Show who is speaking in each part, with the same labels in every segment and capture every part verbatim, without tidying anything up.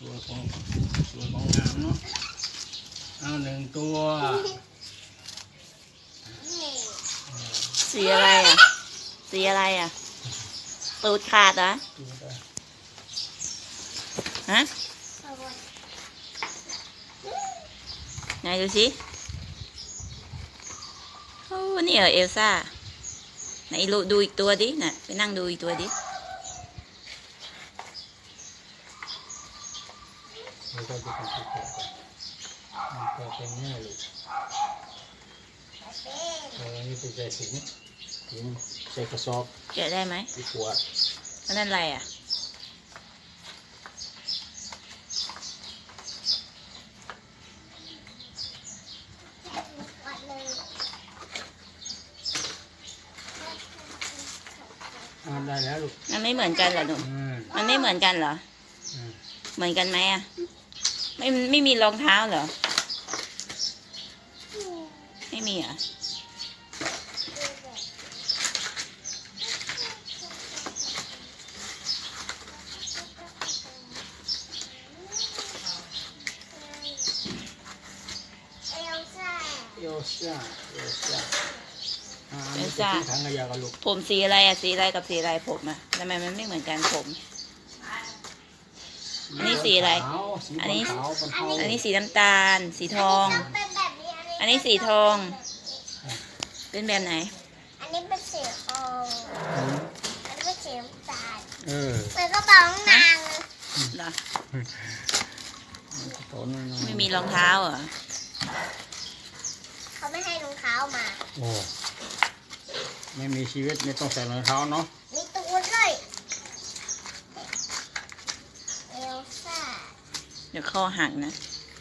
Speaker 1: วยของสวยของงามเนาะเอาหนึ่งตัว
Speaker 2: สีอะไรอ่ะสีอะไรอ่ะตูดขาดเหรอฮะไหนดูสิโอ้นี่เหรอเอลซ่าไหนดูอีกตัวดิน่ะไปนั่งดูอีกตัวดิ
Speaker 1: แล้วก็จะเป็นตัวมันก็เป็นแม่ลูกเออนี่เป็นใจสิงสิงใส่กระสอบ
Speaker 2: แกะได้ไหม
Speaker 1: ที่ขวด
Speaker 2: แล้วนั่นอะไรอ่ะ
Speaker 1: ได้แล้วลูก
Speaker 2: มันไม่เหมือนกันเหรอหนูมันไม่เหมือนกันเหรอเหมือนกันไหมอ่ะไม่ไม่มีรองเท้าเหรอไม่มีอ่ะ
Speaker 1: เอลซ่าเอลซ่าเอลซ่า
Speaker 2: เอลซ่าผมสีอะไรอะสีอะไรกับสีอะไรผมอะทำไมมันไม่เหมือนกันผมอันนี้สีอะไรอันนี้อันนี้สีน้ำตาลสีทองอันนี้สีทองเป็นแบบไหน
Speaker 3: อันนี้เป็นสีทองอันนี้เป็นสีน้ำตาล
Speaker 1: เออ
Speaker 3: เหมือนกระเป๋าหนัง
Speaker 2: เหรอไม่มีรองเท้าเหรอ
Speaker 3: เขาไม่ให้รองเท้ามา
Speaker 1: โอ้ไม่มีชีวิตไม่ต้องใส่รองเท้าเนาะ
Speaker 3: มีตัวด้วยเอลซ่า
Speaker 2: เดี๋ยวข้อหักนะ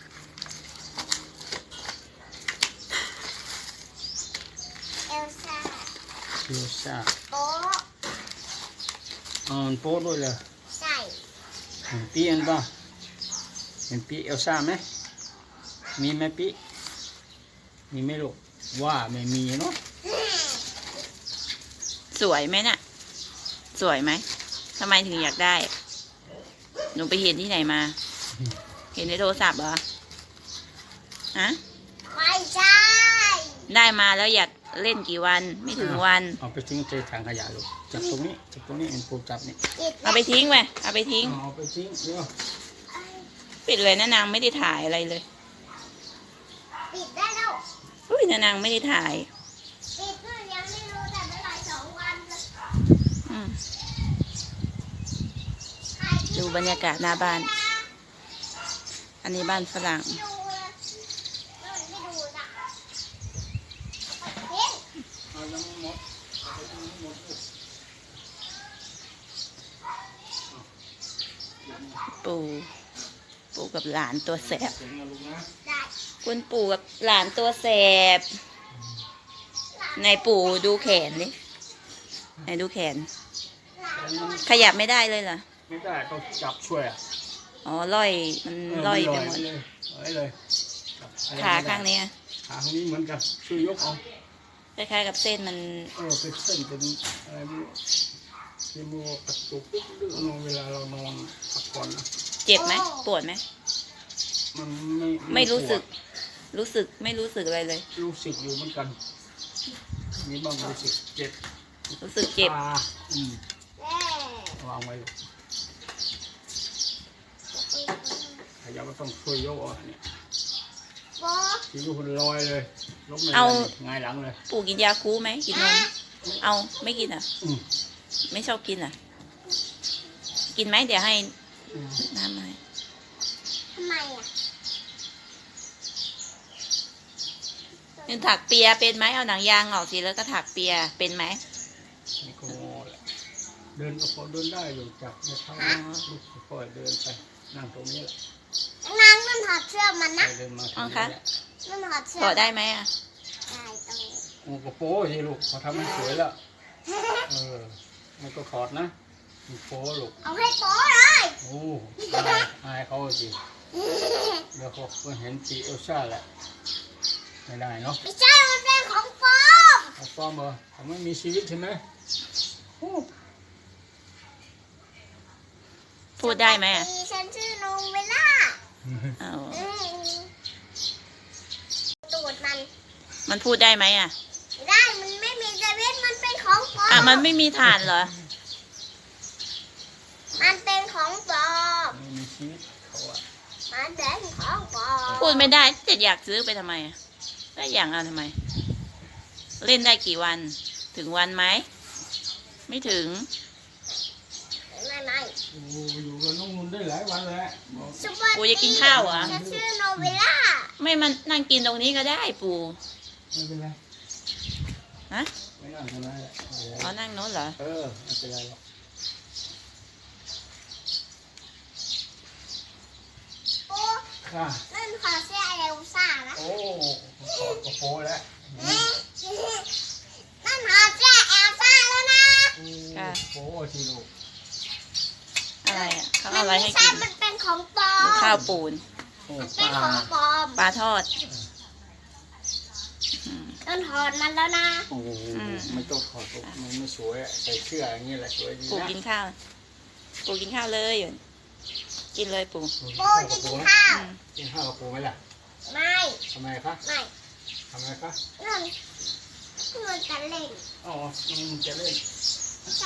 Speaker 3: เอลซ่า
Speaker 1: เอลซ่า
Speaker 3: โป๊ะ
Speaker 1: อ๋อโป๊ะด้วยเลย
Speaker 3: ใช่
Speaker 1: เห็นปีอันป่ะเห็นปีเอลซ่าไหมมีไหมปีมีไหมลูกว่าไม่มีเนาะ
Speaker 2: สวยไหมน่ะสวยไหมทำไมถึงอยากได้หนูไปเห็นที่ไหนมาเห็นในโทรศัพท์เหรอฮะ
Speaker 3: ไม่ใช่
Speaker 2: ได้มาแล้วอยากเล่นกี่วันไม่ถึงวัน
Speaker 1: เอาไปทิ้งในถังขยะลูกจับตรงนี้จับตรงนี้เอ็นปูจับนี่
Speaker 2: เอาไปทิ้งไปเอาไปทิ้ง
Speaker 1: เอาไปทิ้งเดี๋ยว
Speaker 2: ปิดเลยนะนางไม่ได้ถ่ายอะไรเลย
Speaker 3: ปิดได้แล้ว
Speaker 2: อุ้ยนะนางไม่ได้ถ่าย
Speaker 3: ปิดก็ยังไม่รู้แต่เมื่อไหร่สองวัน
Speaker 2: ดูบรรยากาศหน้าบ้านอันนี้บ้านฝรั่งปู่ปู่กับหลานตัวแสบคุณปู่กับหลานตัวแสบในปู่ดูแขนดิในดูแขนขยับไม่ได้เลยเหรอ
Speaker 1: ไม่ได้ต้องจับช่วยอ่ะ
Speaker 2: อ๋อล่อยมันล่อยไปหมด
Speaker 1: เลย
Speaker 2: ขาข้างนี้
Speaker 1: ขาข้างนี้เหมือนกันช่วยยกเอา
Speaker 2: คล้ายๆกับเส้นมัน
Speaker 1: เออเป็นเส้นเป็นอะไรไม่รู้ที่มือกระตุกดึงเวลาเรานอนพักผ่อนนะ
Speaker 2: เจ็บไหมปวดไหม
Speaker 1: มันไม่
Speaker 2: ไม่รู้สึกรู้สึกไม่รู้สึกอะไรเลย
Speaker 1: รู้สึกอยู่เหมือนกันมีบ้างรู้สึกเจ็บ
Speaker 2: รู้สึกเจ็บ
Speaker 1: อืมวางไว้ขยับก็ต้องช่วยยกอ่ะเนี่ยที่ลูกคนลอยเลยลบไม่ได้ไงหลังเลย
Speaker 2: ปู่กินยาคูไหมกินนมเอาไม่กินอ่ะไม่ชอบกินอ่ะกินไหมเดี๋ยวให้น้ำหน่อย
Speaker 3: ทำไมอ่ะ
Speaker 2: นี่ถักเปียเป็นไหมเอาหนังยางออกสิแล้วก็ถักเปียเป็นไหม
Speaker 1: นี่ก็เดินก็พอเดินได้อยู่จับไม่เท้าลูกค่อยเดินไปนั่งตรงนี้แหละ
Speaker 3: นั่งมันถอดเสื้อมันนะ
Speaker 2: อ๋อคะ
Speaker 3: มันถอดเสื้อ
Speaker 2: ถอดได้ไหมอ่ะ
Speaker 3: ได้ตรงนี้
Speaker 1: โอ้กระโปรงสิลูกเขาทำมันสวยแล้วเออมันก็ถอดนะมันโป๊ลูก
Speaker 3: เอาให้โป๊เลย
Speaker 1: โอ้อายเขาสิเดี๋ยวเขาเห็นปีเอลซ่าแหละไม่ได้เนาะ
Speaker 3: ไม่ใช่มันเป็นของปลอม
Speaker 1: ของปลอมเหรอเขาไม่มีชีวิตใช่ไหม
Speaker 2: พูดได้ไหมอ่ะ
Speaker 3: ฉันชื่อนูเวล่า
Speaker 2: เอา
Speaker 3: อืมตูดมัน
Speaker 2: มันพูดได้ไหมอ่ะ
Speaker 3: ไม่ได้มันไม่มีเซเว่นมันเป็นของปลอ
Speaker 2: อ่ะ
Speaker 3: ม
Speaker 2: มันไม่มีฐานเหรอ
Speaker 3: มันเป็นของปลอม
Speaker 1: ไม่มีชีวิตเขาอะ
Speaker 3: มันเป็นของปลอม
Speaker 2: พูดไม่ได้จะอยากซื้อไปทำไมอ่ะได้อย่างเอาทำไม เล่นได้กี่วัน ถึงวันไหม ไม่ถึง
Speaker 3: ไม่ไม่
Speaker 1: โอ้อยู่กับน้องนุ่นได้หลายวันแล้วบอก
Speaker 3: สวัส
Speaker 2: ปู่
Speaker 3: ดี
Speaker 2: จะกินข้าวเหรอ
Speaker 3: ฉันชื่อโนเวล่า
Speaker 2: ไม่มันนั่งกินตรงนี้ก็ได้ปู่
Speaker 1: ไม่เป็นไร
Speaker 2: ฮะ
Speaker 1: ไม่นั่งทำไรแหละ
Speaker 2: อ๋อนั่งโน้นเหรอ
Speaker 1: เออไม่เป็นไรหรอก
Speaker 3: โอ้
Speaker 1: ค่ะ
Speaker 3: นั่นขอเสื้อเอลซ่านะ
Speaker 1: โอ้ขอดกระโปรงแล้ว
Speaker 3: นั่นขอเสื้อเอลซ่าแล้วนะ
Speaker 2: ค่ะ
Speaker 1: โอ้ชีลูก
Speaker 2: อะไรอ่ะเขา
Speaker 3: มั
Speaker 2: เอาอะไร
Speaker 3: ไม่
Speaker 2: ให้
Speaker 3: ใช่
Speaker 2: กิน
Speaker 3: มันเป็นของปลอม
Speaker 2: ข้าวปูน
Speaker 1: โอ้
Speaker 3: มัน
Speaker 1: ป
Speaker 3: เป็น
Speaker 1: ลา
Speaker 3: ของปลอม
Speaker 2: ปลาทอด อืม
Speaker 3: ต้นถอนมันแล้วนะ
Speaker 1: โอ้โห
Speaker 2: อืม
Speaker 1: ไม่ต้องถอดหรอกมันไม่สวยอะใส่เสื้ออย่างนี้แหละสวยดี
Speaker 2: ปู่
Speaker 1: นะ
Speaker 2: กินข้าว ปู่กินข้าวเลยอยู่กินเลยปู่
Speaker 3: ปูจะกินข้าว
Speaker 2: อืม
Speaker 1: กินข้าวกับปูไหมล่ะ
Speaker 3: ไม่
Speaker 1: ทำไมคะ
Speaker 3: ไม่
Speaker 1: ทำไมคะ
Speaker 3: นั่นมันจะเล่น
Speaker 1: อ๋อมันจะเล่น
Speaker 3: ใช่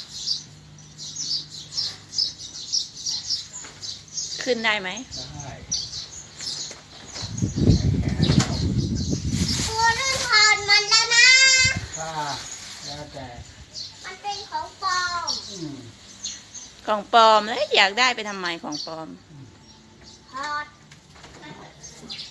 Speaker 2: ขึ้นได้ไหม
Speaker 1: ได้
Speaker 3: ปูต้นถอนมันแล้วนะ
Speaker 1: ค่ะแล้วแต่
Speaker 3: มันเป็นของปลอม
Speaker 1: อืม
Speaker 2: ของปลอมแล้วอยากได้ไปทำไมของปลอม
Speaker 3: ถอด